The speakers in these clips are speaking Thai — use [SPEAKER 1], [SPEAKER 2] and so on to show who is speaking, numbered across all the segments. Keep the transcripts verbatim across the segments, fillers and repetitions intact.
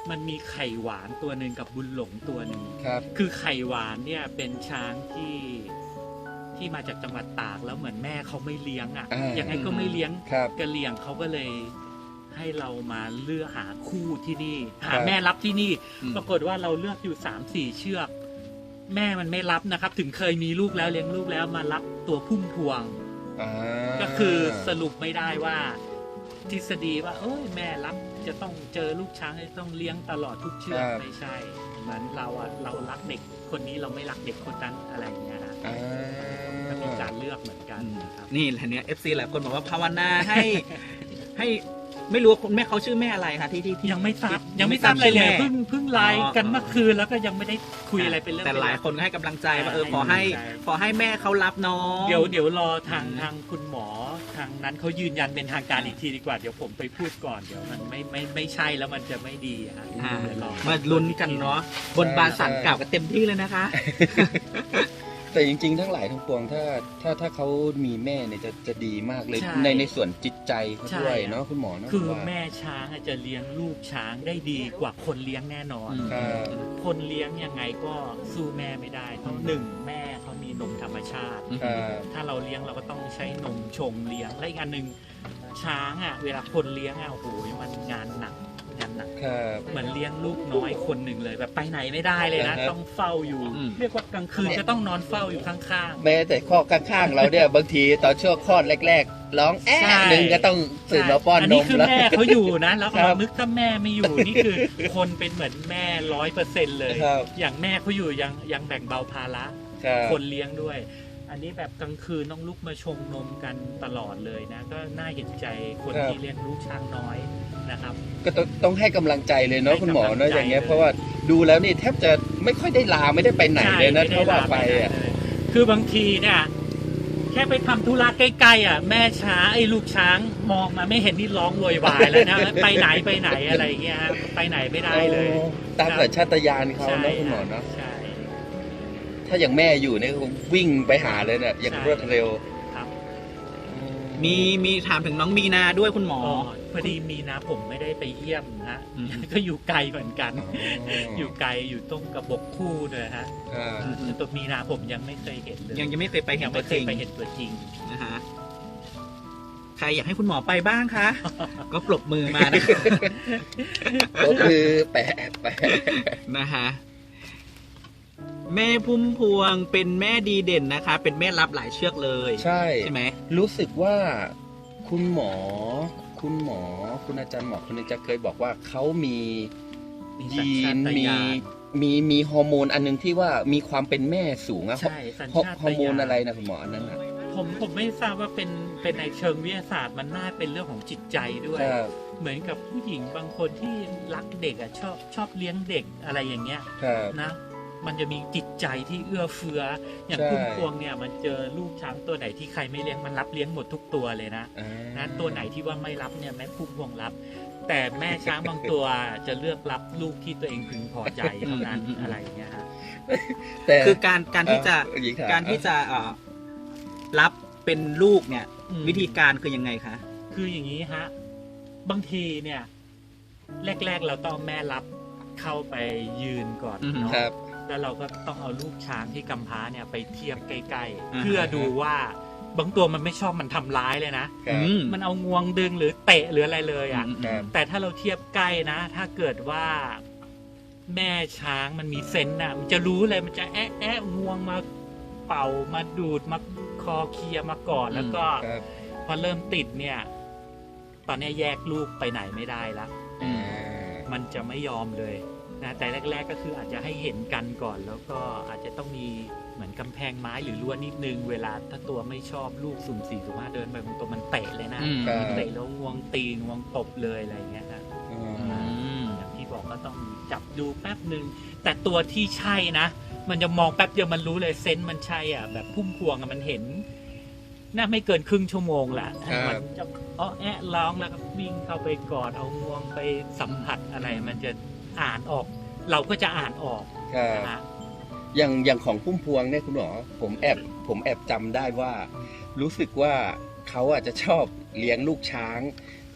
[SPEAKER 1] มันมีไข่หวานตัวหนึ่งกับบุญหลงตัวหนึ่ง
[SPEAKER 2] ครับ
[SPEAKER 1] คือไข่หวานเนี่ยเป็นช้างที่ที่มาจากจังหวัดตากแล้วเหมือนแม่เขาไม่เลี้ยงอ่ะ
[SPEAKER 2] อ่ายั
[SPEAKER 1] ยังไงก็ไม่เลี้ยง
[SPEAKER 2] ครับ
[SPEAKER 1] กะเหรี่ยงเขาก็เลยให้เรามาเลือกหาคู่ที่นี่
[SPEAKER 2] ครั
[SPEAKER 1] หา
[SPEAKER 2] บ
[SPEAKER 1] แม่รับที่นี่
[SPEAKER 3] อืม
[SPEAKER 1] ปรากฏว่าเราเลือกอยู่สามสี่เชือก แม่มันไม่รับนะครับ ถึงเคยมีลูกแล้วเลี้ยงลูกแล้วมารับตัวพุ่มพวง
[SPEAKER 2] อ่า
[SPEAKER 1] ก็คือสรุปไม่ได้ว่าทฤษฎีว่าเอ้ยแม่รับจะต้องเจอลูกช้างจะต้องเลี้ยงตลอดทุกเชือกไม่ใช่เหมือนเราอะเรารักเด็กคนนี้เราไม่รักเด็กคนนั้นอะไรอย่างเงี้ยนะ
[SPEAKER 2] อ่า
[SPEAKER 1] ก็มีการเลือกเหมือนกันนะครับ
[SPEAKER 3] นี่แหละเนี่ย เอฟ ซี หลายคนบอกว่าภาวนาให้ให้ไม่รู้ว่าคุณแม่เขาชื่อแม่อะไรคะที่ที่ที่
[SPEAKER 1] ยังไม่ทราบ
[SPEAKER 3] ที่
[SPEAKER 1] ยังไม่ทราบอะไรเลย
[SPEAKER 3] ชื่อแม่
[SPEAKER 1] เพิ่งเพิ่งไลน์กัน
[SPEAKER 3] อ๋อ
[SPEAKER 1] เมื่อคืนแล้วก็ยังไม่ได้คุยอะไรเป็นเรื่อง
[SPEAKER 3] แต่
[SPEAKER 1] เป็น
[SPEAKER 3] หลาย
[SPEAKER 1] ราว
[SPEAKER 3] คนก็ให้กำลังใจว่าเออ
[SPEAKER 1] ให้
[SPEAKER 3] ขอให้
[SPEAKER 1] กำลังใจ
[SPEAKER 3] ขอให้แม่เขารับน้อง
[SPEAKER 1] เดี๋ยวเดี๋ยวรอทาง
[SPEAKER 3] อืม
[SPEAKER 1] ทางคุณหมอทางนั้นเขายืนยันเป็นทางการอีกทีดีกว่าเดี๋ยวผมไปพูดก่อนเดี๋ยวมันไม่ไม่ไม่ใช่แล้วมันจะไม่ดีอะฮะ
[SPEAKER 3] อ่า
[SPEAKER 1] เดี๋ยวรอ
[SPEAKER 3] มาลุ้นกันเนาะบนบานสันกล่าวกันเต็มที่เลยนะคะ
[SPEAKER 2] แต่จริงๆ ทั้งหลายทั้งปวงถ้าถ้าถ้าเขามีแม่เนี่ยจะจะดีมากเลย
[SPEAKER 1] ใช่
[SPEAKER 2] ในในส่วนจิตใจเขา
[SPEAKER 1] ใช่
[SPEAKER 2] ด้วยเนาะคุณหมอเนาะ
[SPEAKER 1] คือ
[SPEAKER 2] ว่า
[SPEAKER 1] แม่ช้างอะจะเลี้ยงลูกช้างได้ดีกว่าคนเลี้ยงแน่นอน
[SPEAKER 3] อืม
[SPEAKER 2] ครับ
[SPEAKER 1] คนเลี้ยงยังไงก็สู้แม่ไม่ได้เพราะหนึ่งแม่เขามีนมธรรมชาติ
[SPEAKER 2] ครับ
[SPEAKER 1] ถ้าเราเลี้ยงเราก็ต้องใช้นมชงเลี้ยงและอีกอันหนึ่งช้างอ่ะเวลาคนเลี้ยงอ่ะโอ้โหมันงานหนักงานหนัก
[SPEAKER 2] ครับ
[SPEAKER 1] เหมือนเลี้ยงลูกน้อยคนหนึ่งเลยแบบไปไหนไม่ได้เลยนะ
[SPEAKER 2] อ่าฮะ
[SPEAKER 1] ต้องเฝ้าอยู่
[SPEAKER 3] อืม
[SPEAKER 1] เรียกว่ากลางคืนจะต้องนอนเฝ้าอยู่ข้าง
[SPEAKER 2] แม้แต่ข้อข้างๆเราเนี่ย บางทีตอนช่วงคลอดแรกๆร้องแอะ
[SPEAKER 1] ใช่
[SPEAKER 2] หนึ่งก็ต้อง
[SPEAKER 1] ๆ
[SPEAKER 2] ตื่นมาป้อน
[SPEAKER 1] อัน
[SPEAKER 2] น
[SPEAKER 1] นี้
[SPEAKER 2] ม
[SPEAKER 1] คือ
[SPEAKER 2] แล้ว
[SPEAKER 1] แม่เขาอยู่นะแล้ว
[SPEAKER 2] ครับ
[SPEAKER 1] เรานึกถ้าแม่ไม่อยู่นี่คือคนเป็นเหมือนแม่ร้อยเปอร์เซ็นต์เลย
[SPEAKER 2] ครับ
[SPEAKER 1] อย่างแม่เขาอยู่ยังยังแบ่งเบาภาระ
[SPEAKER 2] ครับ
[SPEAKER 1] คนเลี้ยงด้วย อันนี้แบบกลางคืนต้องลุกมาชงนมกันตลอดเลยนะ ก็น่าเห็นใจคนที่เลี้ยงลูกช้างน้อยนะครับ
[SPEAKER 2] ก็ต้องต้องให้กำลังใจเลยเนาะ
[SPEAKER 1] ให้
[SPEAKER 2] คุณหมอก
[SPEAKER 1] ำลัง
[SPEAKER 2] เนาะ
[SPEAKER 1] ใจ
[SPEAKER 2] อย่างเงี้ย
[SPEAKER 1] เลย
[SPEAKER 2] เพราะว่าดูแล้วนี่แทบจะไม่ค่อยได้ลาไม่ได้ไปไหนเลยนะ
[SPEAKER 1] ใช่
[SPEAKER 2] ถ้าว่าไป
[SPEAKER 1] ม่ด้
[SPEAKER 2] อ่ะ
[SPEAKER 1] ลเลยคือบางทีเนี่ยแค่ไปทำธุระใกล้ๆอ่ะแม่ช้างไอ้ลูกช้างมองมาไม่เห็นนี่ร้องโวยวายแล้วนะ ไปไหนไปไหนอะไรอย่างเงี้ยฮะไปไหนไม่ได้เลย
[SPEAKER 2] โอ้ตามสัญชาตญาณเขาเนาะคุณหมอเนาะ
[SPEAKER 1] ใช่
[SPEAKER 2] ถ้าอย่างแม่อยู่เนี่ยคงวิ่งไปหาเลยเนี่ยอย่าง
[SPEAKER 1] ใช่
[SPEAKER 2] รวดเร็ว
[SPEAKER 1] ครับ
[SPEAKER 3] มีมีถามถึงน้องมีนาด้วยคุณหมอ
[SPEAKER 1] อ๋อพอดีมีนะผมไม่ได้ไปเยี่ยมฮะ
[SPEAKER 3] อืม
[SPEAKER 1] ก็อยู่ไกลเหมือนกัน
[SPEAKER 2] อ๋อ
[SPEAKER 1] อ
[SPEAKER 2] อยู่
[SPEAKER 1] ไกลอยู่ตรงกระบอกคู่เลยฮะ
[SPEAKER 2] ครับ
[SPEAKER 3] อืม
[SPEAKER 1] ตัวมีนาผมยังไม่เคยเห็นเลย
[SPEAKER 3] ยังยังไม่เคยไปเห็
[SPEAKER 1] ยั
[SPEAKER 3] น
[SPEAKER 1] ง
[SPEAKER 3] ตั
[SPEAKER 1] ไม่
[SPEAKER 3] ว
[SPEAKER 1] เค
[SPEAKER 3] จริ
[SPEAKER 1] ย
[SPEAKER 3] ง
[SPEAKER 1] ไปเห็นตัวจริง
[SPEAKER 3] นะฮะใครอยากให้คุณหมอไปบ้างคะ ก็ปรบมือมานะ
[SPEAKER 2] ก็คือแปะแปะ
[SPEAKER 3] นะฮะแม่พุ่มพวงเป็นแม่ดีเด่นนะคะ เป็นแม่รับหลายเชือกเลย
[SPEAKER 2] ใช่
[SPEAKER 3] ใช่ไหม
[SPEAKER 2] รู้สึกว่าคุณหมอ คุณหมอ คุณอาจารย์หมอคนหนึงจะเคยบอกว่าเขามี
[SPEAKER 1] มีสัญ
[SPEAKER 2] ยี
[SPEAKER 1] ชาน ต
[SPEAKER 2] มี
[SPEAKER 1] ญาณ
[SPEAKER 2] มีมีฮอร์โมนอันหนึงที่ว่ามีความเป็นแม่สูงอะ
[SPEAKER 1] ใช่สัญ
[SPEAKER 2] ฮอ
[SPEAKER 1] ชาต
[SPEAKER 2] ฮอร์โมน
[SPEAKER 1] ญาณ
[SPEAKER 2] อะไรนะคุณหมออันนั้นอะ
[SPEAKER 1] ผมผมไม่ทราบว่าเป็นเป็นในเชิงวิทยาศาสตร์มันน่าเป็นเรื่องของจิตใจด้วย
[SPEAKER 2] ครับ
[SPEAKER 1] เหมือนกับผู้หญิงบางคนที่รักเด็กอ่ะชอบชอบเลี้ยงเด็กอะไรอย่างเงี้ย
[SPEAKER 2] ครับ
[SPEAKER 1] นะ มันจะมีจิตใจที่เอื้อเฟื้อ อย่าง
[SPEAKER 2] ใช่
[SPEAKER 1] พุ่มพวงเนี่ยมันเจอลูกช้างตัวไหนที่ใครไม่เลี้ยงมันรับเลี้ยงหมดทุกตัวเลยนะ
[SPEAKER 2] อ่า
[SPEAKER 1] นะตัวไหนที่ว่าไม่รับเนี่ยแม่พุ่มพวงรับ แต่แม่ช้างบางตัวจะเลือกรับลูกที่ตัวเองพึงพอใจเท่านั้นอะไรอย่างเงี้ยฮะ
[SPEAKER 2] แต่
[SPEAKER 3] คือการการที่จะ
[SPEAKER 2] เอ่อหญิงถม
[SPEAKER 3] การที่จะเอ่อรับเป็นลูกเนี่ย
[SPEAKER 1] อืม
[SPEAKER 3] วิธีการคือยังไงคะ
[SPEAKER 1] คืออย่างนี้ฮะ บางทีเนี่ย แรก ๆ เราต้องแม่รับเข้าไปยืนก่อน
[SPEAKER 3] อือฮึ
[SPEAKER 1] เนาะ
[SPEAKER 2] ครับ
[SPEAKER 1] แล้วเราก็ต้องเอาลูกช้างที่กำพร้าเนี่ยไปเทียบใกล้
[SPEAKER 3] อ่าฮะ
[SPEAKER 1] ๆเพื่อดูว่าบางตัวมันไม่ชอบมันทำร้ายเลยนะ
[SPEAKER 2] ครับ
[SPEAKER 3] อืม
[SPEAKER 1] มันเอางวงดึงหรือเตะหรืออะไรเลยอ่ะ
[SPEAKER 3] อืม
[SPEAKER 2] ครับ
[SPEAKER 1] แต่ถ้าเราเทียบใกล้นะ ถ้าเกิดว่าแม่ช้างมันมีเซนส์น่ะ มันจะรู้เลยมันจะแอะแอะงวงมาเป่ามาดูดมาคอเคลียร์มาก่อน แล้วก็
[SPEAKER 2] ครับ
[SPEAKER 1] พอเริ่มติดเนี่ย ตอนนี้แยกลูกไปไหนไม่ได้ละ
[SPEAKER 2] อ่า
[SPEAKER 1] มันจะไม่ยอมเลยนะแต่แรก ๆ ก็คืออาจจะให้เห็นกันก่อน แล้วก็อาจจะต้องมีเหมือนกำแพงไม้หรือรั้วนิดนึง เวลาถ้าตัวไม่ชอบลูกสุ่มสี่สุ่มห้าเดินไปบางตัวมันเตะเลยนะ
[SPEAKER 3] อืม
[SPEAKER 2] ครับ
[SPEAKER 1] เตะแล้วงวงตีงวงตบเลยอะไรอย่างเงี้ยนะ
[SPEAKER 2] อืม
[SPEAKER 3] อืม
[SPEAKER 1] อย่างที่บอกก็ต้องจับดูแป๊บหนึ่งแต่ตัวที่ใช่นะ มันจะมองแป๊บเดียวมันรู้เลยเซนส์มันใช่อ่ะแบบพุ่มพวงอะมันเห็นน่าไม่เกินครึ่งชั่วโมงแหละ
[SPEAKER 2] ครับ
[SPEAKER 1] มันจะอ้อแอะร้องแล้วก็วิ่งเข้าไปกอดเอางวงไปสัมผัสอะไร มันจะอ่านออก เราก็จะอ่านออก
[SPEAKER 2] ครับ
[SPEAKER 1] นะฮะ
[SPEAKER 2] อย่างอย่างของพุ่มพวงเนี่ยคุณหมอผมแอบผมแอบจำได้ว่า รู้สึกว่าเขาอาจจะชอบเลี้ยงลูกช้าง แ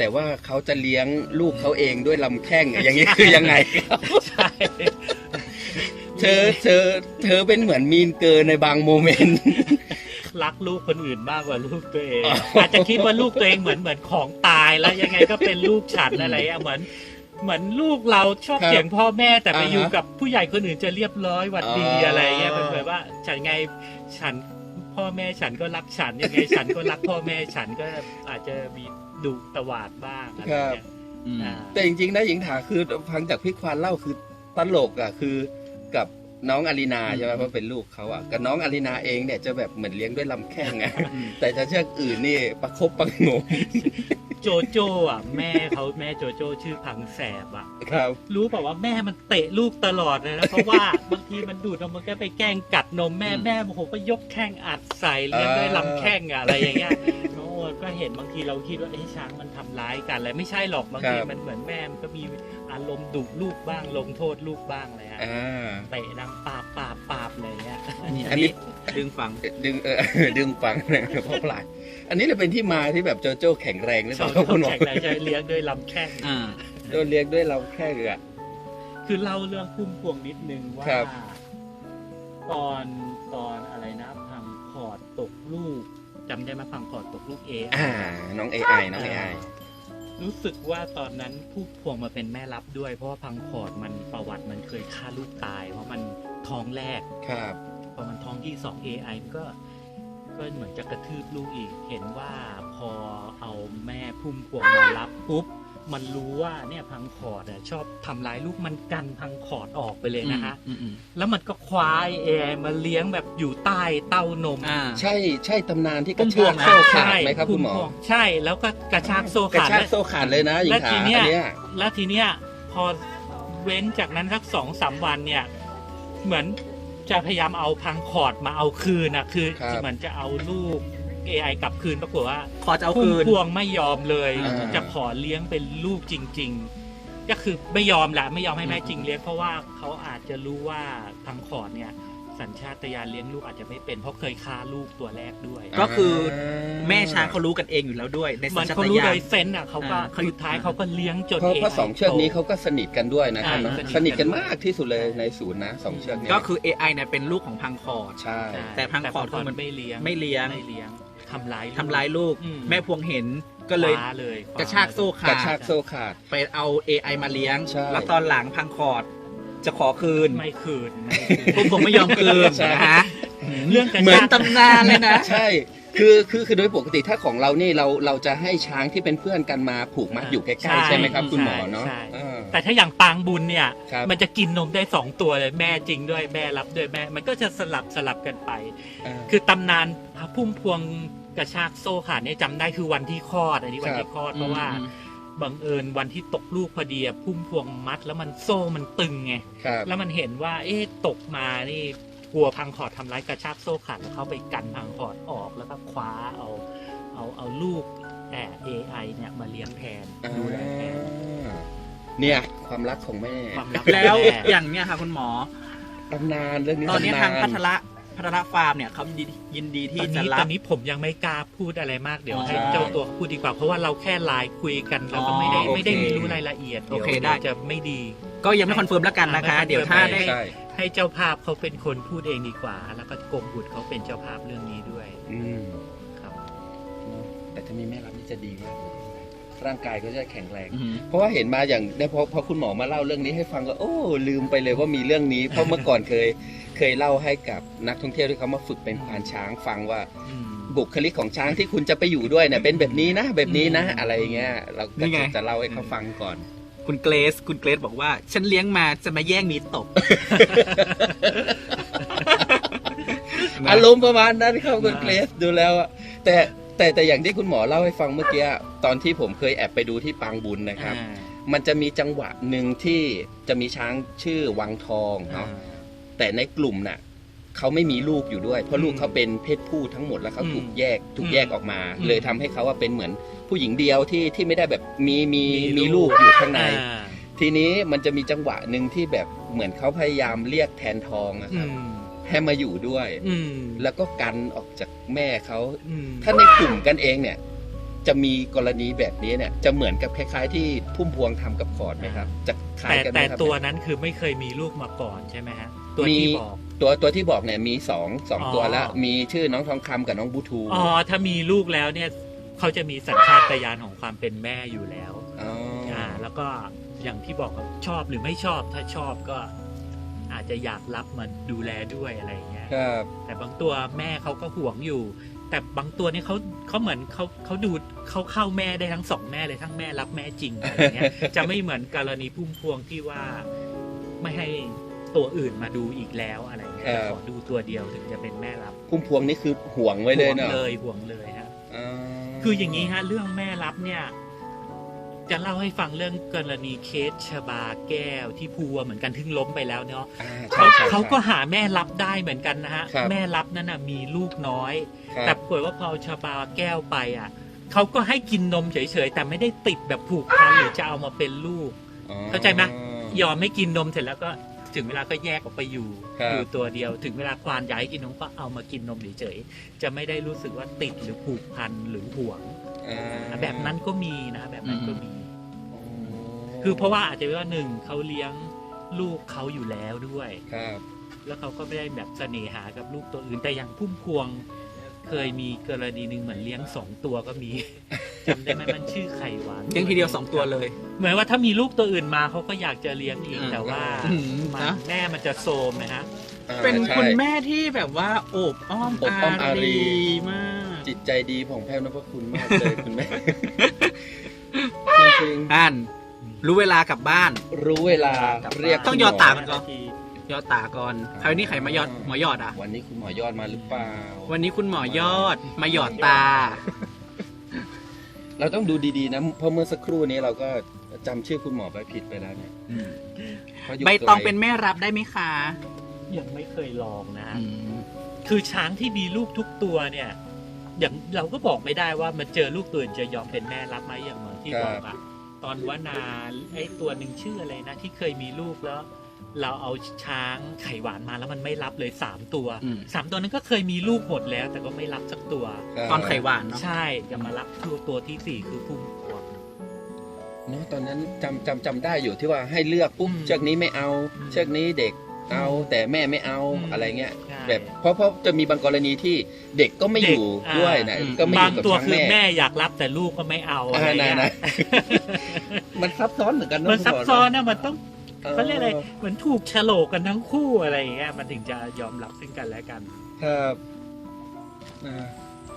[SPEAKER 2] แต่ว่าเขาจะเลี้ยงลูกเขาเองด้วยลำแข้งอะอย่างนี้คือยังไงครับ
[SPEAKER 1] ใช่
[SPEAKER 2] เธอเธอเธอเป็นเหมือนมีนเกินในบางโมเมนต์
[SPEAKER 1] รักลูกคนอื่นมากกว่าลูกตัวเอง
[SPEAKER 2] อ๋อ
[SPEAKER 1] อาจจะคิดว่าลูกตัวเองเหมือนเหมือนของตายแล้วยังไงก็เป็นลูกฉันอะไรอะเหมือนเหมือนลูกเราชอบเสียงพ่อแม่แต่ไปอยู่กับผู้ใหญ่คนอื่นจะเรียบร้อยหวัดดีอะไรเงี้ยเป็นเหมือนว่าฉันไงฉันพ่อแม่ฉันก็รักฉันยังไงฉันก็รักพ่อแม่ฉันก็อาจจะมีดุตวาดบ้างอะไรเงี้ย
[SPEAKER 3] อืม
[SPEAKER 1] อ่า
[SPEAKER 2] แต่จริงๆนะหญิงถาคือฟังจากพี่ควานเล่าคือตลกอ่ะคือกับน้องอารีนาใช่ไหมเพราะเป็นลูกเขาอ่ะกับน้องอารีนาเองเนี่ยจะแบบเหมือนเลี้ยงด้วยลำแข้งไง แต่จะเชือกอื่นนี่ประคบประหงม
[SPEAKER 1] โจโจ้อ่ะแม่เขาแม่โจโจ้ชื่อพังแสบอ่ะ
[SPEAKER 2] ครับ
[SPEAKER 1] รู้เปล่าว่าแม่มันเตะลูกตลอดเลยนะ เพราะว่าบางทีมันดูดนมมันก็ไปแกล้งกัดนมแม่
[SPEAKER 3] อืม
[SPEAKER 1] แม่โอ้โหก็ยกแข้งอัดใส่เลี้ยงด้วยลำแข้งอะอะไรอย่างเงี้ยโอ้ก็เห็นบางทีเราคิดว่าเอ้ช้างมันทำร้ายกันอะไรไม่ใช่หรอกบางที
[SPEAKER 2] ครับ
[SPEAKER 1] มันเหมือนแม่มันก็มีอารมณ์ดุลูกบ้างลงโทษลูกบ้างอะไรฮะ
[SPEAKER 2] อ่า
[SPEAKER 1] เตะดังปาบปาบปาบเลยเงี้ย
[SPEAKER 3] นี่
[SPEAKER 2] อั
[SPEAKER 3] อั
[SPEAKER 2] น
[SPEAKER 3] น
[SPEAKER 2] นี้
[SPEAKER 3] นี้ดึงฟัง
[SPEAKER 2] ดึงเอ อ ดึงฟังเพราะพลายอันนี้เลยเป็นที่มาที่แบบโจโจ้แข็งแรงหรือ
[SPEAKER 1] ช
[SPEAKER 2] เป
[SPEAKER 1] อ
[SPEAKER 2] ล่า
[SPEAKER 1] บ
[SPEAKER 2] คุณหมอ
[SPEAKER 1] แข่งไหนใช้เลี้ยงด้วยลำแข้ง
[SPEAKER 3] อ่า
[SPEAKER 2] โดนเลี้ยงด้วยเราแค่เรือ
[SPEAKER 1] คือเล่าเรื่องพุ่มพวงนิดนึงว่า
[SPEAKER 2] ครับ
[SPEAKER 1] ตอนตอนอะไรนะพังพอร์ตตกลูกจำได้ไหมพังพอร์ตตกลูกเอ
[SPEAKER 2] อ่า น้องเอไอน้องเอไอ
[SPEAKER 1] รู้สึกว่าตอนนั้นผู้พวงมาเป็นแม่รับด้วย เพราะว่าพังพอร์ตมันประวัติมันเคยฆ่าลูกตาย เพราะมันท้องแรก
[SPEAKER 2] ครับ
[SPEAKER 1] พอมันท้องที่สอง เอ ไอ มันก็ก็เหมือนจะกระทืบลูกอีก เห็นว่าพอเอาแม่พุ่มพวงมารับปุ๊บมันรู้ว่าเนี่ยพังคอร์ดอะชอบทำร้ายลูกมันกันพังคอร์ดออกไปเลยนะคะ
[SPEAKER 3] อืมอืม
[SPEAKER 1] แล้วมันก็คว้าเอไอมาเลี้ยงแบบอยู่ใต้เต้านม
[SPEAKER 3] อ่า
[SPEAKER 2] ใช่ใช่ตำนานที่ก
[SPEAKER 1] พุ่
[SPEAKER 2] ระ
[SPEAKER 1] มพ
[SPEAKER 2] ชาว
[SPEAKER 1] ง
[SPEAKER 2] กโซ่ขาดไหมครับ
[SPEAKER 1] พุ่
[SPEAKER 2] คุณหมอ
[SPEAKER 1] พวงใช่แล้วก็กระชากโซ่
[SPEAKER 2] กระ
[SPEAKER 1] ขาด
[SPEAKER 2] ชาก
[SPEAKER 1] และ
[SPEAKER 2] โซ่ขาดเลยนะหญิง
[SPEAKER 1] และ
[SPEAKER 2] ถา
[SPEAKER 1] ที
[SPEAKER 2] อัน
[SPEAKER 1] เนี้ย
[SPEAKER 2] เนี้ย
[SPEAKER 1] แล้วทีเนี้ยพอเว้นจากนั้นสักสองสามวันเนี่ย เหมือนจะพยายามเอาพังคอร์ดมาเอาคืนนะคือ
[SPEAKER 2] ครับ
[SPEAKER 1] เหมือนจะเอาลูก เอ ไอ กลับคืนปรากฏว่า
[SPEAKER 3] ขอจะเอา
[SPEAKER 1] พุ่ม
[SPEAKER 3] คืน
[SPEAKER 1] พวงไม่ยอมเลย
[SPEAKER 2] อ่า
[SPEAKER 1] จะขอเลี้ยงเป็นลูกจริง ๆ ก็คือไม่ยอมแหละไม่ยอมให้แม่จริงเลี้ยงเพราะว่าเขาอาจจะรู้ว่าพังคอร์ดเนี่ย สัญชาตญาณเลี้ยงลูกอาจจะไม่เป็นเพราะเคยฆ่าลูกตัวแรกด้วย
[SPEAKER 3] ก็คือแม่ช้างเขารู้กันเองอยู่แล้วด้วยใน
[SPEAKER 1] มั
[SPEAKER 3] สัญ
[SPEAKER 1] น
[SPEAKER 3] ชา
[SPEAKER 1] เขา
[SPEAKER 3] ต
[SPEAKER 1] รู้
[SPEAKER 3] ญา
[SPEAKER 1] โด
[SPEAKER 3] ณ
[SPEAKER 1] ยเซนส์อ่ะเขาก็
[SPEAKER 3] อ่าเขา
[SPEAKER 1] สุดท้ายเขาก็เลี้ยงจน
[SPEAKER 2] เพราะ
[SPEAKER 1] เอ
[SPEAKER 2] เพราะสองเชือกนี้เขาก็สนิทกันด้วยนะครับ
[SPEAKER 1] อ่า
[SPEAKER 2] เนอะ
[SPEAKER 1] สนิทกัน
[SPEAKER 2] สนิทกันมากที่สุดเลยในศูนย์นะสองเชือกนี้
[SPEAKER 3] ก็คือ เอ ไอ เนี่ยเป็นลูกของพังคอร์ด
[SPEAKER 2] ใช่
[SPEAKER 1] ใช่
[SPEAKER 3] แต่พังคอร์ด
[SPEAKER 1] แต่
[SPEAKER 3] คือมัน
[SPEAKER 1] ไม่เลี้ยง
[SPEAKER 3] ไม่เลี้ยง
[SPEAKER 1] ไม่เลี้ยงทำร้ายลูก
[SPEAKER 3] ทำร้ายลูก
[SPEAKER 1] อืม
[SPEAKER 3] แม่พวงเห็นก็เลย
[SPEAKER 1] คว้าเลยคว้
[SPEAKER 3] กระชากโซ่
[SPEAKER 2] ก
[SPEAKER 3] ขา
[SPEAKER 2] ระ
[SPEAKER 3] ด
[SPEAKER 2] ชากโซ่ขาด
[SPEAKER 3] ไปเอา เอ ไอ มาเลี้ยง
[SPEAKER 2] ใช่
[SPEAKER 3] แล้วตอนหลังพังคอร์ดจะขอคืน
[SPEAKER 1] ไม่คืนไม่คืน
[SPEAKER 3] พวกผมไม่ยอมคืน
[SPEAKER 2] ใช่
[SPEAKER 3] นะฮะ
[SPEAKER 1] เรื่องกระ
[SPEAKER 3] เหมือน
[SPEAKER 1] ชาก
[SPEAKER 3] ตำนานเลยนะ
[SPEAKER 2] ใช่ คือคือคือโดยปกติถ้าของเรานี่เราเราจะให้ช้างที่เป็นเพื่อนกันมาผูกมัดอยู่ใกล้ๆใช่ไหมครับคุณหมอเนาะ
[SPEAKER 1] ใช่
[SPEAKER 2] เออ
[SPEAKER 1] แต่ถ้าอย่างปางบุญเนี่ย
[SPEAKER 2] ครับ
[SPEAKER 1] มันจะกินนมได้สองตัวเลยแม่จริงด้วยแม่รับด้วยแม่ มันก็จะสลับสลับกันไป
[SPEAKER 2] เออ
[SPEAKER 1] คือตำนานพระพุ่มพวงกระชากโซ่ขาดเนี่ยจำได้คือวันที่คลอดอันนี้วันที่คลอดเพราะว่า
[SPEAKER 3] อืม
[SPEAKER 1] บังเอิญวันที่ตกลูกพอดีอะพุ่มพวงมัด แล้วมันโซ่มันตึงไง
[SPEAKER 2] ครับ
[SPEAKER 1] แล้วมันเห็นว่า เอ๊ะตกมานี่กลัวพังคอร์ดทำร้ายกระชากโซ่ขาดแล้วเขาไปกันพังคอร์ดออกแล้วก็คว้าเอาเอาเอาลูกแต่ เอ ไอ เนี่ยมาเลี้ยงแทนดูแลแทน
[SPEAKER 2] อ่าเนี่ยความรักของแม่
[SPEAKER 1] ความรัก
[SPEAKER 3] แล้ว
[SPEAKER 1] ม่
[SPEAKER 3] อย่างเนี้ยค่ะคุณหมอ
[SPEAKER 2] ตำนานเรื่องนี้
[SPEAKER 3] ตอนนี้
[SPEAKER 2] ำ
[SPEAKER 3] ทางพัทระพัทระฟาร์มเนี่ยเขายินดียินดี
[SPEAKER 1] ต
[SPEAKER 3] ที่
[SPEAKER 1] อน
[SPEAKER 3] จะ
[SPEAKER 1] นี้
[SPEAKER 3] รั
[SPEAKER 1] ต
[SPEAKER 3] บ
[SPEAKER 1] อนนี้ผมยังไม่กล้าพูดอะไรมากเดี๋ยว
[SPEAKER 3] อ๋อ
[SPEAKER 1] ให้เจ้าตัวเขาพูดดีกว่า เพราะว่าเราแค่ไลน์คุยกันเราก็ไม่ได้
[SPEAKER 3] อ๋อ
[SPEAKER 1] ไม่ได้
[SPEAKER 3] โอเค
[SPEAKER 1] มีรู้รายละเอียด
[SPEAKER 3] โอเค
[SPEAKER 1] ยว
[SPEAKER 3] ได้
[SPEAKER 1] จะไม่ดี
[SPEAKER 3] ก็ยังไม่คอนเฟิร์มแล้วกันนะคะ
[SPEAKER 1] ไม่
[SPEAKER 3] เดี๋ยวถ้าได้
[SPEAKER 2] ใช่
[SPEAKER 1] ให้เจ้าภาพเขาเป็นคนพูดเองดีกว่า แล้วก็กรมบุตรเขาเป็นเจ้าภาพเรื่องนี้ด้วย
[SPEAKER 2] อืม
[SPEAKER 1] ครับ
[SPEAKER 2] แต่ถ้ามีแม่รับนี่จะดีมากเลยร่างกายก็จะแข็งแรง
[SPEAKER 3] อือหือ
[SPEAKER 2] เพราะว่าเห็นมาอย่างได้พอพอคุณหมอมาเล่าเรื่องนี้ให้ฟังก็โอ้ลืมไปเลยว่ามีเรื่องนี้ เพราะเมื่อก่อนเคยเคยเล่าให้กับนักท่องเที่ยวที่เขามาฝึกเป็นควานช้างฟังว่า
[SPEAKER 1] อืม
[SPEAKER 2] บุคลิกของช้างที่คุณจะไปอยู่ด้วยเนี่ยเป็นแบบนี้นะ แบบนี้นะ
[SPEAKER 1] อืม
[SPEAKER 2] อะไรเงี้ยเราก็
[SPEAKER 3] นี่ไง
[SPEAKER 2] จะเล่าให้เขาฟังก่อน
[SPEAKER 3] คุณเกรซคุณเกรซบอกว่า ฉันเลี้ยงมาจะมาแย่งมีตบ
[SPEAKER 2] อารมณ์ประมาณนั้นครับคุณเกรซดูแล้วอะแต่แต่แต่อย่างที่คุณหมอเล่าให้ฟังเมื่อกี้ตอนที่ผมเคยแอบไปดูที่ปางบุญนะครับ
[SPEAKER 1] อ่า
[SPEAKER 2] มันจะมีจังหวะหนึ่งที่จะมีช้างชื่อวังทอง
[SPEAKER 1] อ่า
[SPEAKER 2] เนาะแต่ในกลุ่มน่ะเขาไม่มีลูกอยู่ด้วย เพราะลูก
[SPEAKER 1] อืม
[SPEAKER 2] เขาเป็นเพศผู้ทั้งหมดแล้วเขา
[SPEAKER 1] อืม
[SPEAKER 2] ถูกแยกถูก
[SPEAKER 1] อืม
[SPEAKER 2] แยกออกมา
[SPEAKER 1] อืม
[SPEAKER 2] เลยทำให้เขาว่าเป็นเหมือนผู้หญิงเดียวที่ที่ไม่ได้แบบมีมี
[SPEAKER 1] มี
[SPEAKER 2] มี
[SPEAKER 1] ลู
[SPEAKER 2] ลู
[SPEAKER 1] ก
[SPEAKER 2] กอยู่ข้างใน
[SPEAKER 1] อ่า
[SPEAKER 2] ทีนี้มันจะมีจังหวะหนึ่งที่แบบเหมือนเขาพยายามเรียกแทนทองอะค
[SPEAKER 1] อื
[SPEAKER 2] รับ
[SPEAKER 1] ม
[SPEAKER 2] ให้มาอยู่ด้วย
[SPEAKER 1] อืม
[SPEAKER 2] แล้วก็กันออกจากแม่เขา
[SPEAKER 1] อืม
[SPEAKER 2] ถ้าในกลุ่มกันเองเนี่ยจะมีกรณีแบบนี้เนี่ยจะเหมือนกับคล้ายๆที่พุ่มพวงทำกับขอดไหมครับจะคล้าย
[SPEAKER 1] แต่
[SPEAKER 2] กันไหม
[SPEAKER 1] แต่
[SPEAKER 2] ครับ
[SPEAKER 1] ตัวนั้นคือไม่เคยมีลูกมาก่อนใช่ไหมฮะตัว
[SPEAKER 2] มี
[SPEAKER 1] ที่บอก
[SPEAKER 2] ตัวตัวที่บอกเนี่ยมีสองสอง
[SPEAKER 1] อ๋อ
[SPEAKER 2] ตัวแล้วมีชื่อน้องทองคำกับน้องบูทู
[SPEAKER 1] อ๋อถ้ามีลูกแล้วเนี่ยเขาจะมีสัญชาตญาณของความเป็นแม่อยู่แล้ว
[SPEAKER 2] อ๋ออ่
[SPEAKER 1] อ่าแล้วก็อย่างที่บอกครับชอบหรือไม่ชอบถ้าชอบก็อาจจะอยากรับมาดูแลด้วยอะไรอย่างเงี้ย
[SPEAKER 2] ครับ
[SPEAKER 1] แต่บางตัวแม่เขาก็ห่วงอยู่ แต่บางตัวนี่เขาเขาเหมือนเขาเขาดูเขาเข้าแม่ได้ทั้งสองแม่เลยทั้งแม่รับแม่จริงอะไรเงี้ย จะไม่เหมือนกรณีพุ่มพวงที่ว่าไม่ให้ตัวอื่นมาดูอีกแล้วอะไรเงี้ยจะขอดูตัวเดียวถึงจะเป็นแม่รับ
[SPEAKER 2] พุ่มพวงนี่คือห่วงไว้เลยเนาะ
[SPEAKER 1] ห่วงเลยห่วงเลยฮะ
[SPEAKER 2] อ๋อ
[SPEAKER 1] คืออย่างนี้ฮะเรื่องแม่รับเนี่ยจะเล่าให้ฟังเรื่องกรณีเคสชบาแก้วที่พัวเหมือนกันทึ่งล้มไปแล้วเนาะ
[SPEAKER 2] อ่า
[SPEAKER 1] เขา
[SPEAKER 2] ใช่ใช่
[SPEAKER 1] เขาก็
[SPEAKER 2] ใช่
[SPEAKER 1] หาแม่รับได้เหมือนกันนะฮะ
[SPEAKER 2] ครับ
[SPEAKER 1] แม่รับนั้นนะมีลูกน้อย
[SPEAKER 2] ครับ
[SPEAKER 1] แต่ปรากฏว่าพอชบาแก้วไปอ่ะเขาก็ให้กินนมเฉยๆแต่ไม่ได้ติดแบบผูกพันหรือจะเอามาเป็นลูก
[SPEAKER 2] อ๋อ
[SPEAKER 1] เข้าใจไหม ยอมไม่กินนมเสร็จแล้วก็ถึงเวลาก็แยกออกไปอยู่
[SPEAKER 2] ครับ
[SPEAKER 1] อยู่ตัวเดียว ถึงเวลาควานอยากให้กินนมก็เอามากินนมเฉยๆจะไม่ได้รู้สึกว่าติดหรือผูกพันหรือห่วง
[SPEAKER 2] อ่า
[SPEAKER 1] แบบนั้นก็มีนะแบบนั้นก็มี
[SPEAKER 2] อ๋อ
[SPEAKER 1] คือเพราะว่าอาจจะเป็นว่าหนึ่งเขาเลี้ยงลูกเขาอยู่แล้วด้วย
[SPEAKER 2] ครับ
[SPEAKER 1] แล้วเขาก็ไม่ได้แบบเสน่หากับลูกตัวอื่นแต่อย่างพุ่มพวง เคยมีกรณีหนึ่งเหมือนเลี้ยงสองตัวก็มี จำได้ไหมมันชื่อไข่หวาน
[SPEAKER 3] เลี้ยงทีเดียวสองตัวเลย
[SPEAKER 1] เหมือนว่าถ้ามีลูกตัวอื่นมาเขาก็อยากจะเลี้ยงอีก
[SPEAKER 3] อืม
[SPEAKER 1] แต่ว่า
[SPEAKER 3] อืม
[SPEAKER 1] มัน
[SPEAKER 3] นะ
[SPEAKER 1] แม่มันจะโซมนะฮะ
[SPEAKER 2] อ่า
[SPEAKER 3] เป็น
[SPEAKER 2] ใช่
[SPEAKER 3] คุณแม่ที่แบบว่าโอบอ้อม
[SPEAKER 2] โอบอ้อมอารี
[SPEAKER 3] มาก
[SPEAKER 2] จิตใจดีผ่องแผ้วนพคุณมากเลยคุณแม่ จริง
[SPEAKER 3] อ่านรู้เวลากลับบ้าน
[SPEAKER 2] ๆรู้เวลาเรียก
[SPEAKER 3] ต้อง
[SPEAKER 2] คุณ
[SPEAKER 3] ยอด
[SPEAKER 2] หม
[SPEAKER 3] ตาม ก่อน ยอดตาก่อนคราวนี้ใครมายอดหมอยอดอ่ะ
[SPEAKER 2] วันนี้คุณหมอยอดมาหรือเปล่า
[SPEAKER 3] วันนี้คุณหมอยอดมาหยอดตา
[SPEAKER 2] เราต้องดูดีๆนะเพราะเมื่อสักครู่นี้เราก็จำชื่อคุณหมอไปผิดไปแล้วเนี่ยเขายู่
[SPEAKER 3] ใบตอง
[SPEAKER 2] ไกล
[SPEAKER 3] เป็นแม่รับได้ไหมคะ
[SPEAKER 1] ยังไม่เคยลองนะฮะ
[SPEAKER 3] อืม
[SPEAKER 1] คือช้างที่มีลูกทุกตัวเนี่ย อย่างเราก็บอกไม่ได้ว่ามันเจอลูกตัวอื่นจะยอมเป็นแม่รับไหมอย่างเหมือนที่บอกอะตอนวนาไอ้ตัวหนึ่งชื่ออะไรนะที่เคยมีลูกแล้ว เราเอาช้างไข่หวานมาแล้วมันไม่รับเลยสามตัว
[SPEAKER 3] อืม
[SPEAKER 1] สามตัวนั้นก็เคยมีลูกหมดแล้ว แต่ก็ไม่รับสักตัว
[SPEAKER 2] ครับ
[SPEAKER 3] ตอนไข่หวานเนาะ
[SPEAKER 1] ใช่จะมารับตัวตัวที่สี่คือพุ่มพวง
[SPEAKER 2] เนอะตอนนั้นจำจำจำได้อยู่ที่ว่าให้เลือกปุ๊บ
[SPEAKER 1] อืม
[SPEAKER 2] เชือกนี้ไม่เอา
[SPEAKER 1] อืม
[SPEAKER 2] เชือกนี้เด็กเอาแต่แม่ไม่เอา
[SPEAKER 1] อืม
[SPEAKER 2] อะไรเงี้ย
[SPEAKER 1] ใช่
[SPEAKER 2] แบบเพราะเพราะจะมีบางกรณีที่เด็กก็ไม่อยู่
[SPEAKER 1] เด็กอ่า
[SPEAKER 2] ด้วยนะก็ไม่อบ
[SPEAKER 1] าง
[SPEAKER 2] ยู่กับ
[SPEAKER 1] ตัว
[SPEAKER 2] ช้าง
[SPEAKER 1] คือ
[SPEAKER 2] แม่
[SPEAKER 1] แม่อยากรับแต่ลูกก็ไม่เอาอะไร
[SPEAKER 2] อ่า
[SPEAKER 1] เงี้ย
[SPEAKER 2] นะ มันซับซ้อนเหมือนกันเอะ
[SPEAKER 1] มันซับซ้อนนะมันต้อง
[SPEAKER 2] เออ
[SPEAKER 1] เขาเรียกอะไรเหมือนถูกโฉลกกันทั้งคู่อะไรอย่างเงี้ยมันถึงจะยอมรับซึ่งกันและกัน
[SPEAKER 2] ครับอ่า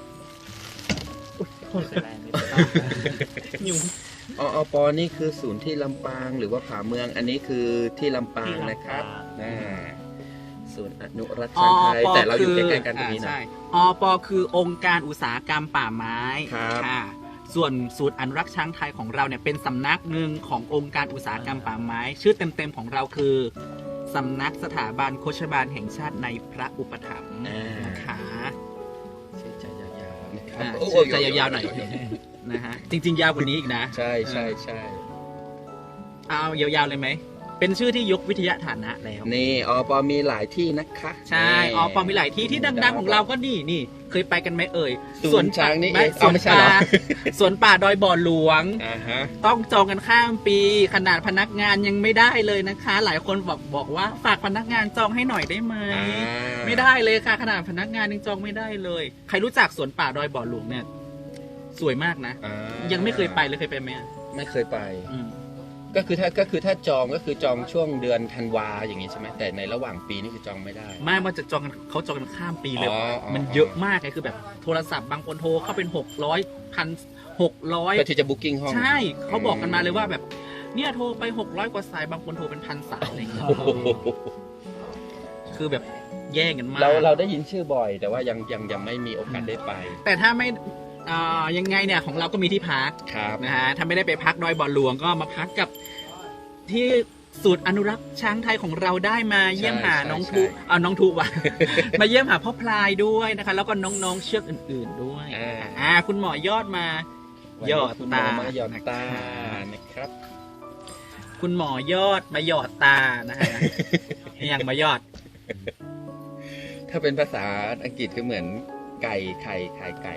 [SPEAKER 1] ไม่เป็นไรไม่เป็นไร
[SPEAKER 3] ยุง
[SPEAKER 2] ออปอนี่คือศูนย์ที่ลำปางหรือว่าผาเมืองอันนี้คือที่ลำปางนะครับอ่าศูนย์อนุรักษ์ช้างไทยแต่เราอยู่ใกล้ๆกันตรงนี้นะ
[SPEAKER 3] ใช่อปคือองค์การอุตสาหกรรมป่าไม้
[SPEAKER 2] ครับ
[SPEAKER 3] ค่ะ ส่วนศูนย์อนุรักษ์ช้างไทยของเราเนี่ยเป็นสำนักหนึ่งขององค์การอุตสาหกรรมป่าไม้ ชื่อเต็มๆของเราคือสำนักสถาบันโฆษบาลแห่งชาติในพระอุปถัมภ์
[SPEAKER 2] อ่าน
[SPEAKER 3] นะคะ
[SPEAKER 2] ชื่อใจยาวๆนะครับ
[SPEAKER 3] อ่า
[SPEAKER 2] โอ้โ
[SPEAKER 3] ชื่อจะยาวๆหน่อยนะฮะจริงๆ ยาวกว่านี้อีกนะ
[SPEAKER 2] ใช่ใช่ใช่
[SPEAKER 3] เอายาวๆเลยไหมเป็นชื่อที่ยกวิทยาฐานะแล้ว
[SPEAKER 2] นี่อปอมีหลายที่นะคะ
[SPEAKER 3] ใช่
[SPEAKER 2] นี่
[SPEAKER 3] อ๋อปอมีหลายที่ที่ดังๆของเราก็นี่นี่ เคยไปกันไหมเอ่ย
[SPEAKER 2] สวนช้างนี่เอง
[SPEAKER 3] ส
[SPEAKER 2] เอา
[SPEAKER 3] วน
[SPEAKER 2] ไม่ใช่
[SPEAKER 3] ป่า
[SPEAKER 2] เหรอ
[SPEAKER 3] สวนป่าดอยบ่อหลวง
[SPEAKER 2] อ่าฮะ
[SPEAKER 3] ต้องจองกันข้ามปี ขนาดพนักงานยังไม่ได้เลยนะคะ หลายคนบอกบอกว่าฝากพนักงานจองให้หน่อยได้ไหม
[SPEAKER 2] อ่า
[SPEAKER 3] ไม่ได้เลยค่ะ ขนาดพนักงานยังจองไม่ได้เลย ใครรู้จักสวนป่าดอยบ่อหลวงเนี่ย สวยมากนะ
[SPEAKER 2] อ่า
[SPEAKER 3] ยังไม่เคยไปเลยเคยไปไหม
[SPEAKER 2] ไม่เคยไป
[SPEAKER 3] อืม
[SPEAKER 2] ก็คือถ้าก็คือถ้าจองก็คือจองช่วงเดือนธันวาอย่างงี้ใช่ไหมแต่ในระหว่างปีนี่คือจองไม่ได้
[SPEAKER 3] ไม่ว่าจะจองกันเขาจองกันข้ามปีเลย
[SPEAKER 2] อ๋ออ๋อ
[SPEAKER 3] มันเยอะมากเลยคือแบบโทรศัพท์บางคนโทรเข้าเป็นหกร้อยพันหกร้อย
[SPEAKER 2] ก็ที่จะบุ๊กิ้งห้อง
[SPEAKER 3] ใช่ เขาบอกกันมาเลยว่าแบบ เนี่ยโทรไปหกร้อยกว่าสายบางคนโทรเป็นพันสายอะไรอย่างเงี้ย
[SPEAKER 2] โอ้โห
[SPEAKER 3] คือแบบแย่งกันมาก
[SPEAKER 2] เราเราได้ยินชื่อบ่อย แต่ว่ายังยังยังไม่มีโอกาสได้ไป
[SPEAKER 3] แต่ถ้าไม่อ่ายังไงเนี่ยของเราก็มีที่พัก
[SPEAKER 2] ครับ
[SPEAKER 3] นะฮะถ้าไม่ได้ไปพักดอยบ่อหลวงก็มาพักกับที่ศูนย์อนุรักษ์ช้างไทยของเราได้มาเยี่ยมหาน้องทุอ่าน้องทุว่ะ มาเยี่ยมหาพ่อพลายด้วยนะคะ แล้วก็น้องๆเชือกอื่น ๆด้วย
[SPEAKER 2] อ่า
[SPEAKER 3] อ่าคุณหมอยอดมา
[SPEAKER 2] วัน
[SPEAKER 3] ย
[SPEAKER 2] นี้
[SPEAKER 3] อด
[SPEAKER 2] คุณหม
[SPEAKER 3] ตา
[SPEAKER 2] อมาหยอดตา
[SPEAKER 3] นะคะ
[SPEAKER 2] นะครับ
[SPEAKER 3] คุณหมอยอดมาหยอดตานะฮะ อย่างมายอด
[SPEAKER 2] ถ้าเป็นภาษาอังกฤษก็เหมือนไก่ไข่ไข่ไก่อะไร
[SPEAKER 3] อืม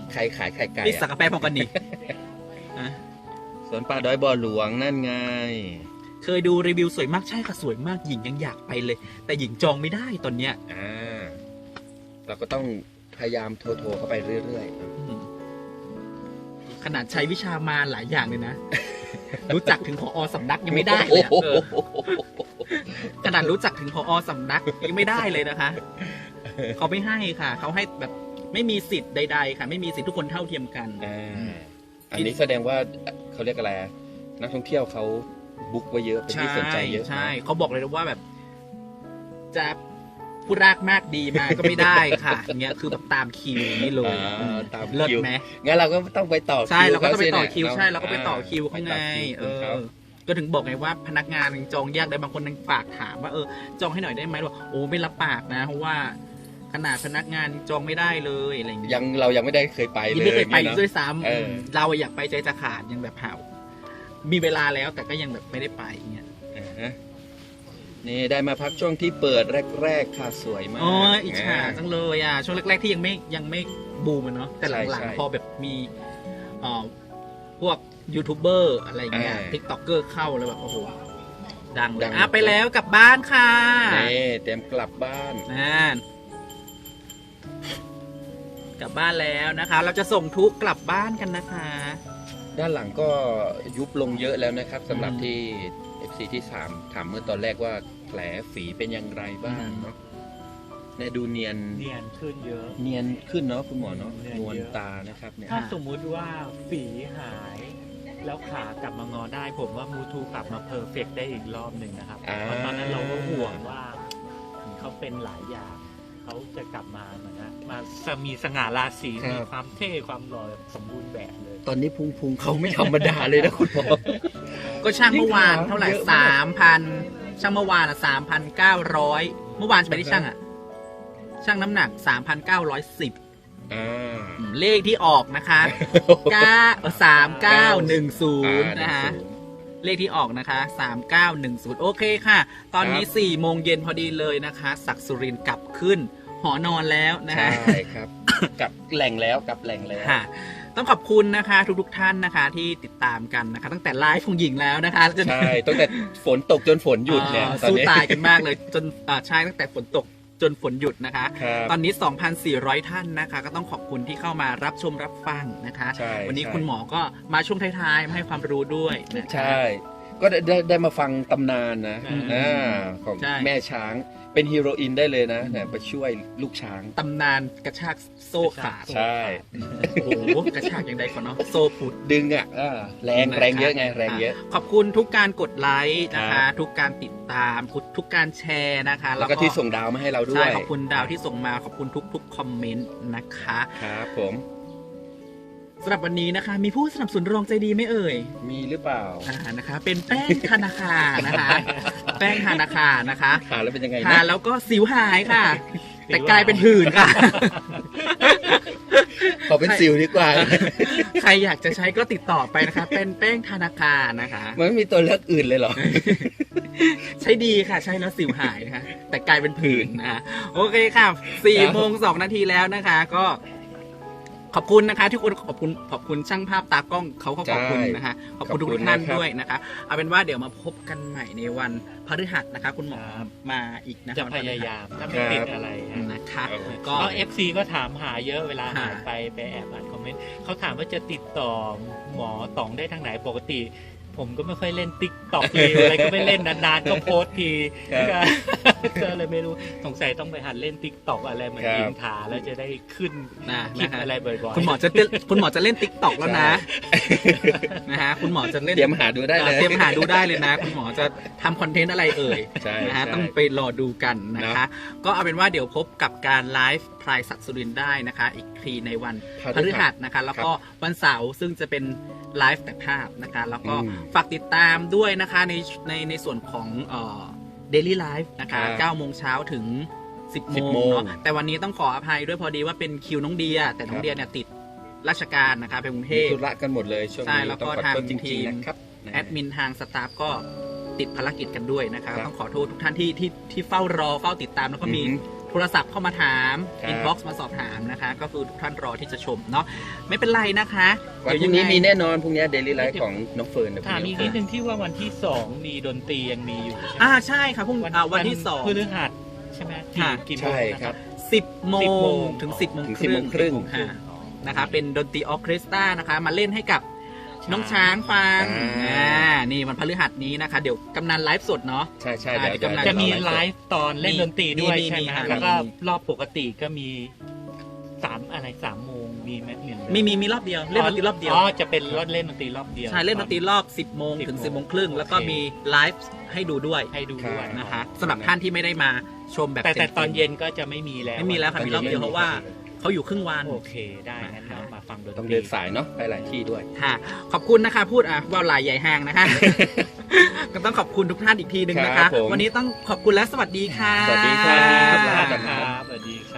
[SPEAKER 2] ใครขายไข่ไก่
[SPEAKER 3] นี่สัก
[SPEAKER 2] อะ
[SPEAKER 3] กาแฟพร้อมกันนี่อ่ะ
[SPEAKER 2] สวนป่าดอยบ่อหลวงนั่นไง
[SPEAKER 3] เคยดูรีวิวสวยมากใช่ค่ะสวยมากหญิงยังอยากไปเลย แต่หญิงจองไม่ได้ตอนเนี้ย
[SPEAKER 2] อ่าเราก็ต้องพยายามโทรโทรเข้าไปเรื่อย
[SPEAKER 3] อืมขนาดใช้วิชามาหลายอย่างเลยนะ รู้จักถึงผอสำนัก
[SPEAKER 2] ๆ
[SPEAKER 3] ยังไม่ได้เลยอะ
[SPEAKER 2] โอ้
[SPEAKER 3] เอ
[SPEAKER 2] โห
[SPEAKER 3] อขนาดรู้จักถึงผอสำนักยังไม่ได้เลยนะคะ เขาไม่ให้ค่ะ เขาให้แบบไม่มีสิทธิ์ใดๆค่ะ ไม่มีสิทธิ์ทุกคนเท่าเทียมกัน
[SPEAKER 2] อ่าอันนี้แสดงว่าเขาเรียกอะไรอะนักท่องเที่ยวเขาบุ๊กไว้เยอะเป็นที่สนใจเยอะ
[SPEAKER 3] ใช่เขาบอกเลยว่าแบบ จะผู้รากมากดีมาก็ไม่ได้ค่ะอย่างเงี้ยคือแบบตามคิวนี่เลย
[SPEAKER 2] อ่าตาม
[SPEAKER 3] เลิศ
[SPEAKER 2] คิว
[SPEAKER 3] ไหม
[SPEAKER 2] งั้นเราก็ต้องไปต่อคิว
[SPEAKER 3] ใช่เราก็ต้องไปต่อ
[SPEAKER 2] ขสิ
[SPEAKER 3] คิว
[SPEAKER 2] นะ
[SPEAKER 3] ใช่เราก็ไปต่อคิวข้างใน
[SPEAKER 2] ไปต่อคิว
[SPEAKER 3] เอ
[SPEAKER 2] คุณเขา
[SPEAKER 3] อ ก็ถึงบอกไงว่าพนักงานยังจองยากได้บางคนยังฝากถามว่าเออจองให้หน่อยได้ไหมบอกโอ้ไม่รับปากนะเพราะว่าขนาดพนักงานจองไม่ได้เลยอะไรอย่างเงี้ย
[SPEAKER 2] ยังเรายังไม่ได้เคยไปเลย
[SPEAKER 3] ยังไม่เคยไป
[SPEAKER 2] นี่
[SPEAKER 3] ด้วยซ้ำ
[SPEAKER 2] เออ
[SPEAKER 3] เราอยากไปใจจะขาดยังแบบหาวมีเวลาแล้วแต่ก็ยังแบบไม่ได้ไปอย่างเงี้ย
[SPEAKER 2] อ่าฮะนี่ได้มาพักช่วงที่เปิดแรกๆค่ะสวยมาก
[SPEAKER 3] อ๋ออิจฉาจังเลยอ่ะช่วงแรกๆที่ยังไม่ยังไม่บูมอะเนาะแต่หลัง
[SPEAKER 2] ใช่
[SPEAKER 3] ๆพอแบบมีเอ่อพวกยูทูบเบอร์อะไรเงี้ย
[SPEAKER 2] อ่า
[SPEAKER 3] ทิกต็อกเกอร์เข้าแล้วแบบโอ้โหดังเล
[SPEAKER 2] ดั
[SPEAKER 3] ย
[SPEAKER 2] ง
[SPEAKER 3] อ่ะไปแล้วกลับบ้านค่ะ
[SPEAKER 2] นี่เตรียมกลับบ้าน
[SPEAKER 3] นั่นกลับบ้านแล้วนะคะ เราจะส่งทุกกลับบ้านกันนะคะ
[SPEAKER 2] ด้านหลังก็ยุบลงเยอะแล้วนะครับสำหรับ
[SPEAKER 3] อืม
[SPEAKER 2] ที่ เอฟ ซี ที่สามถามเมื่อตอนแรกว่าแผลฝีเป็นอย่างไรบ้างเนาะเนี่ยดูเนียน
[SPEAKER 1] เนียนขึ้นเยอะ
[SPEAKER 2] เนียนขึ้นเนาะคุณหมอเนาะ
[SPEAKER 1] เนียน
[SPEAKER 2] นวล
[SPEAKER 1] เยอะ
[SPEAKER 2] ตานะครับเนี่ย
[SPEAKER 1] ถ้าสมมุติว่าฝีหาย แล้วขากลับมางอได้ ผมว่ามูทูกลับมาเพอร์เฟกได้อีกรอบหนึ่งนะครับ
[SPEAKER 2] อ่า
[SPEAKER 1] เพราะตอนนั้นเราก็ห่วงว่าเขาเป็นหลายอย่างเขาจะกลับมาเหมือนนะมาสมีสง่าราศีมีความเท่ความหล่อสมบูรณ์แบบเลย
[SPEAKER 2] ตอนนี้พุงพุงเขาไม่ธรรมดาเลยนะคุณหมอ
[SPEAKER 3] ก็ช่างเมื่อวานเท่าไหร่
[SPEAKER 2] เยอะมาก
[SPEAKER 3] สามพันช่างเมื่อวานอ่ะสามพันเก้าร้อยเมื่อวานจะไปที่ช่างอ่ะ ช่างน้ำหนักสามพันเก้าร้อยสิบ
[SPEAKER 2] อ่า
[SPEAKER 3] เลขที่ออกนะคะเก้าสามเก้าหนึ่งศูนย์
[SPEAKER 2] อ่า
[SPEAKER 3] นะคะ เลขที่ออกนะคะสามเก้าหนึ่งศูนย์โอเคค่ะ ตอนนี้
[SPEAKER 2] ครับ
[SPEAKER 3] สี่โมงเย็นพอดีเลยนะคะศักดิ์สุรินทร์กลับขึ้น หอนอนแล้วนะ
[SPEAKER 2] ใช่
[SPEAKER 3] คะ
[SPEAKER 2] ครับ กลับแหล่งแล้วกลับแหล่งแล้ว
[SPEAKER 3] ค่ะ ต้องขอบคุณนะคะทุกๆท่านนะคะที่ติดตามกันนะคะ ตั้งแต่ไลฟ์ของหญิงแล้วนะคะจน
[SPEAKER 2] ใช่ตั้งแต่ฝนตกจนฝนหยุดเนี่ย
[SPEAKER 3] อ่า
[SPEAKER 2] ตอน
[SPEAKER 3] สู้
[SPEAKER 2] นี้
[SPEAKER 3] ตายกันมากเลยจนอ่าใช่ตั้งแต่ฝนตกจนฝนหยุดนะคะ
[SPEAKER 2] ครับ
[SPEAKER 3] ตอนนี้ สองพันสี่ร้อย ท่านนะคะ ก็ต้องขอบคุณที่เข้ามารับชมรับฟังนะคะ
[SPEAKER 2] ใช่
[SPEAKER 3] วันนี้
[SPEAKER 2] ใช่
[SPEAKER 3] คุณหมอก็มาช่วงท้ายๆมาให้ความรู้ด้วยนะคะ
[SPEAKER 2] ใช่ ก็ได้ได้ได้มาฟังตำนานนะ
[SPEAKER 3] อืม
[SPEAKER 2] อ่าของ
[SPEAKER 3] ใช่
[SPEAKER 2] แม่ช้างเป็นฮีโรอีนได้เลยนะเนี่ยไปช่วยลูกช้าง
[SPEAKER 3] ตำนานกระชากโซ่ขาด
[SPEAKER 2] ใช่
[SPEAKER 3] โอ้โหกระชากอย่างใดก่อนเนาะโซ่พุด
[SPEAKER 2] ดึงอ่ะอ่าแรงแรงเยอะไงแรงเยอะ
[SPEAKER 3] ขอบคุณทุกการกดไลค์นะ
[SPEAKER 2] ครั
[SPEAKER 3] คะ
[SPEAKER 2] บ
[SPEAKER 3] ทุกการติดตามทุกการแชร์นะคะ
[SPEAKER 2] แล้วก็ที่ส่งดาวมาให้เราด้ว
[SPEAKER 3] ใช่
[SPEAKER 2] ย
[SPEAKER 3] ขอบคุณดาวที่ส่งมาขอบคุณทุกๆคอมเมนต์นะคะ
[SPEAKER 2] ครับผม
[SPEAKER 3] สำหรับวันนี้นะคะ มีผู้สนับสนุนรองใจดีไหมเอ่ย
[SPEAKER 2] มีหรือเปล่า
[SPEAKER 3] อ่านะคะ เป็นแป้งธนาคารนะคะ แป้งธนาคารนะคะ
[SPEAKER 2] ทานแล้วเป็นยังไง
[SPEAKER 3] ทาน
[SPEAKER 2] นะ
[SPEAKER 3] แล้วก็สิวหายค่ะ แต่กลายเป็นผื่นค่ะ
[SPEAKER 2] ขอเป็นซิลดีกว่า
[SPEAKER 3] ใครอยากจะใช้ก็ติดต่อไปนะคะ เป็นแป้งธนาคารนะคะ
[SPEAKER 2] มันไม่มีตัวเลือกอื่นเลยเหรอ
[SPEAKER 3] ใช้ดีค่ะ ใช้แล้วสิวหายนะคะ แต่กลายเป็นผื่นนะคะโอเคค่ะสี่โมงสองนาทีแล้วนะคะ ก็ ขอบคุณนะคะที่คุณขอบคุณขอบคุณช่างภาพตากล้องเขาก็ขอบคุณนะคะ ขอบคุณทุก
[SPEAKER 2] ขอบคุณ
[SPEAKER 3] ท่าน
[SPEAKER 2] นะครับ
[SPEAKER 3] ด้วยนะคะ เอาเป็นว่าเดี๋ยวมาพบกันใหม่ในวันพฤหัสนะคะ คุณหมอ
[SPEAKER 1] ครับ
[SPEAKER 3] มาอีกนะคะ
[SPEAKER 1] จะ
[SPEAKER 3] วัน
[SPEAKER 1] พ
[SPEAKER 3] ฤหัส
[SPEAKER 1] ยายามถ้าไม่ติดอะไรฮะ
[SPEAKER 3] นะคะ
[SPEAKER 2] โอเค
[SPEAKER 3] ก็
[SPEAKER 1] ก็เอฟซีก็ถามหาเยอะเวลา
[SPEAKER 3] หา
[SPEAKER 1] หายไปไปแอบอ่านคอมเมนต์เขาถามว่าจะติดต่อหมอต๋องได้ทางไหนปกติ ผมก็ไม่ค่อยเล่นติ๊กต็อกเลยอะไรก็ไม่เล่นนานๆก็โพสต์ที
[SPEAKER 2] ครับ
[SPEAKER 1] ก็เลยไม่รู้สงสัยต้องไปหัดเล่นติ๊กต็อกอะไรเหมือน
[SPEAKER 2] ครับ
[SPEAKER 1] ยิงถาแล้วจะได้ขึ้น
[SPEAKER 3] นะ
[SPEAKER 1] คลิป
[SPEAKER 3] นะคะ
[SPEAKER 1] อะไรบ่อยๆ
[SPEAKER 3] คุณหมอจะเต้นคุณหมอจะเล่นติ๊กต็อกแล้วนะนะฮะคุณหมอจะเล่น
[SPEAKER 2] เตรียมหาดูได้เลย
[SPEAKER 3] เตรียมหาดูได้เลยนะ คุณหมอจะทำคอนเทนต์อะไรเอ่ย
[SPEAKER 2] ใช่
[SPEAKER 3] นะฮะ
[SPEAKER 2] ใช่
[SPEAKER 3] ต้องไปรอดูกันนะคะ ก็เอาเป็นว่าเดี๋ยวพบกับการไลฟ์พลายศักดิ์สุรินทร์ได้นะคะ อีกทีในวันพฤหัสนะคะ แล้วก็วันเสาร์ซึ่งจะเป็นไลฟ์แต่ภาพนะคะ แล้วก็
[SPEAKER 2] อืม
[SPEAKER 3] ฝากติดตามด้วยนะคะในในในส่วนของเอ่อ Daily Life นะคะ
[SPEAKER 2] ครับ
[SPEAKER 3] เก้าโมงเช้าถึง สิบ โม
[SPEAKER 2] สิบ
[SPEAKER 3] ง
[SPEAKER 2] โมง
[SPEAKER 3] เนาะแต่วันนี้ต้องขออภัยด้วยพอดีว่าเป็นคิวน้องเดีย แต่น้องเดียเนี่ยติดราชการนะคะไปกรุงเท
[SPEAKER 2] มี
[SPEAKER 3] พ
[SPEAKER 2] ธุระกันหมดเลยช่วง
[SPEAKER 3] ใช่
[SPEAKER 2] นี้
[SPEAKER 3] แล้วก็
[SPEAKER 2] ต้องขอ
[SPEAKER 3] ทาง
[SPEAKER 2] โทษจ
[SPEAKER 3] ที
[SPEAKER 2] ริง
[SPEAKER 3] ม
[SPEAKER 2] ๆนะครับนะ
[SPEAKER 3] แอดมินทางสตาฟก็ติดภารกิจกันด้วยนะคะ
[SPEAKER 2] ครับ
[SPEAKER 3] ต้องขอโทษทุกท่านที่ที่ที่เฝ้ารอเฝ้าติดตามแล้วก็มี
[SPEAKER 2] อือหื
[SPEAKER 3] โทรศัพท์เข้ามาถาม
[SPEAKER 2] ครับ
[SPEAKER 3] อินบ็อกซ์มาสอบถามนะคะ ก็คือทุกท่านรอที่จะชมเนาะไม่เป็นไรนะคะ
[SPEAKER 2] วันพรุ่งนี้มีแน่นอนพรุ่งนี้เดลี่ไลฟ์ของน้องเฟิร์นนะ
[SPEAKER 1] ถามอีกนิดนึงที่ว่าวันที่สองมีดนตรียังมีอยู่ใช่ไหม
[SPEAKER 3] อ่าใช่ค่ะพรุ่งอ่าวันที่สอง
[SPEAKER 1] พฤหัสใช่ไหม
[SPEAKER 3] ค่ะ
[SPEAKER 1] กี่โมง
[SPEAKER 2] ใช่
[SPEAKER 1] นะ
[SPEAKER 2] ครับ
[SPEAKER 3] สิบโม
[SPEAKER 1] สิบโม
[SPEAKER 3] ง
[SPEAKER 1] ง
[SPEAKER 3] ถึงสิบโมง
[SPEAKER 2] ถึง
[SPEAKER 3] ค
[SPEAKER 2] สิบ
[SPEAKER 3] รึ่
[SPEAKER 2] โม
[SPEAKER 3] ง
[SPEAKER 2] งครึ่ง
[SPEAKER 3] ค่ะนะคะเป็นดนตรีออร์เคสตรานะคะมาเล่นให้กับน้องช้างฟัง
[SPEAKER 2] อ่า
[SPEAKER 3] อ่านี่วันพฤหัสนี้นะคะ เดี๋ยวกำนันไลฟ์สดเนาะ
[SPEAKER 2] ใช่ใช่
[SPEAKER 3] อ่า
[SPEAKER 2] เดี๋ยว
[SPEAKER 3] เดี๋ยวกำลัง
[SPEAKER 1] จะมี
[SPEAKER 2] เดี๋ยว
[SPEAKER 1] ไลฟ์ตอนเล่นดนตรีด้วย
[SPEAKER 3] มี
[SPEAKER 1] ใช่ไหม
[SPEAKER 3] มีค่ะ
[SPEAKER 1] แล้วก็
[SPEAKER 3] มี
[SPEAKER 1] รอบปกติก็มีสามอะไรสามโมงมีไหมเหมือนเดิ
[SPEAKER 3] มีมีมีรอบเดียวเล่นดนตรีรอบเดียว
[SPEAKER 1] อ๋อจะเป็นรถเล่นดนตรีรอบเดียว
[SPEAKER 3] ใช่เล่นดนตรีรอบ สิบโมงถึง
[SPEAKER 1] สิ
[SPEAKER 3] สิ
[SPEAKER 1] บบ โม
[SPEAKER 3] โม
[SPEAKER 1] ง
[SPEAKER 3] งครึ่งแล้วก็
[SPEAKER 1] โอเค
[SPEAKER 3] มีไลฟ์ให้ดูด้วย
[SPEAKER 1] ให้ดูด้วย
[SPEAKER 3] นะคะสำหรับท่านที่ไม่ได้มาชมแบบ
[SPEAKER 1] แต่แต่
[SPEAKER 3] ต็มๆ
[SPEAKER 1] ตอนเย็นก็จะไม่มีแล้ว
[SPEAKER 3] ไม่มีแล้วค่ะมีรอบเดียวเพราะว่าเขาอยู่ครึ่งวัน
[SPEAKER 1] โอเคได้งั้นเรามาฟังดนตรี
[SPEAKER 2] ต้องเดินสายเนาะไปหลายที่ด้วย
[SPEAKER 3] ค่ะ ขอบคุณนะคะ พูดอ่ะว่าหลายใหญ่ห้างนะคะ ก็ต้องขอบคุณทุกท่านอีกทีหนึ่งนะ
[SPEAKER 2] ครั
[SPEAKER 3] คะ
[SPEAKER 2] บผม
[SPEAKER 3] วันนี้ต้องขอบคุณและสวัสดีค่ะ
[SPEAKER 2] สวัสดีครับ
[SPEAKER 1] ครับสวัสดีครับ